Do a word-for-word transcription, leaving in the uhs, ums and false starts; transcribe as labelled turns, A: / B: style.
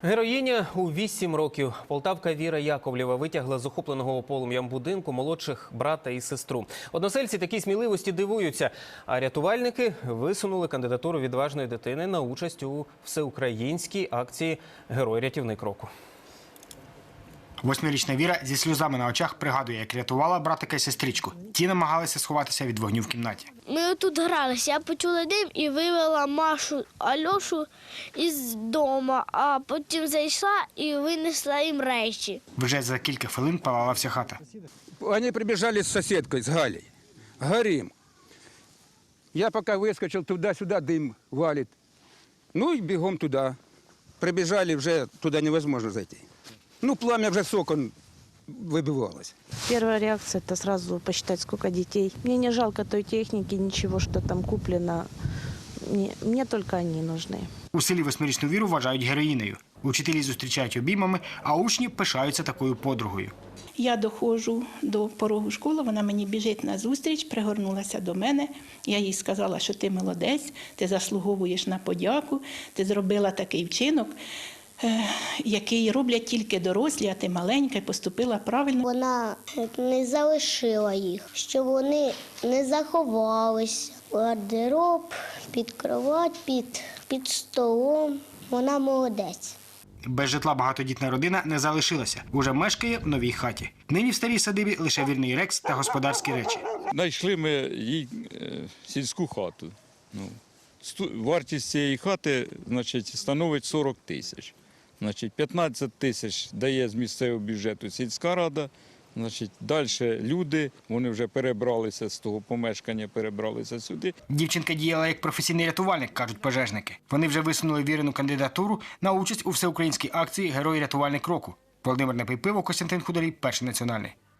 A: Героїня у вісім років. Полтавка Віра Яковлєва витягла з охопленого полум'ям будинку молодших брата і сестру. Односельці такій сміливості дивуються, а рятувальники висунули кандидатуру відважної дитини на участь у всеукраїнській акції «Герой-рятівник року».
B: Восьмирічна Віра зі сльозами на очах пригадує, як рятувала братика і сестричку. Ті намагалися сховатися від вогню в кімнаті.
C: Ми тут гралися, я почула дим і вивела Машу, Альошу із дому, а потім зайшла і винесла їм речі.
B: Вже за кілька хвилин палала вся хата.
D: Они прибежали с соседкой, с Галей. Горим. Я пока выскочил туда-сюда, дым валит. Ну и бегом туда. Прибежали, уже туда невозможно зайти. Ну, пламя уже с окон выбивалось.
E: Первая реакция – это сразу посчитать, сколько детей. Мне не жалко той техники, ничего, что там куплено. Мне, мне только они нужны.
B: У селі восьмирічну Віру вважають героїнею. Учителі зустрічають обіймами, а учні пишаються такою подругою.
F: Я доходжу до порогу школи, вона мені біжить на зустріч, пригорнулася до мене. Я їй сказала, що ти молодець, ти заслуговуєш на подяку, ти зробила такий вчинок, який роблять тільки дорослі, а ти маленька, і поступила правильно.
C: Вона не залишила їх, щоб вони не заховались. Гардероб, під кровать, під, під столом. Вона молодець.
B: Без житла багатодітна родина не залишилася. Уже мешкає в новій хаті. Нині в старій садибі лише вірний рекс та господарські речі.
G: Знайшли ми їй сільську хату. Ну, вартість цієї хати, значить, становить сорок тисяч. Значить, п'ятнадцять тисяч дає з місцевого бюджету сільська рада. Значить, далі люди, вони вже перебралися з того помешкання, перебралися сюди.
B: Дівчинка діяла як професійний рятувальник, кажуть пожежники. Вони вже висунули Вірину кандидатуру на участь у всеукраїнській акції «Герой-рятувальник року». Володимир Непейпиво, Костянтин Хударій, Перший національний.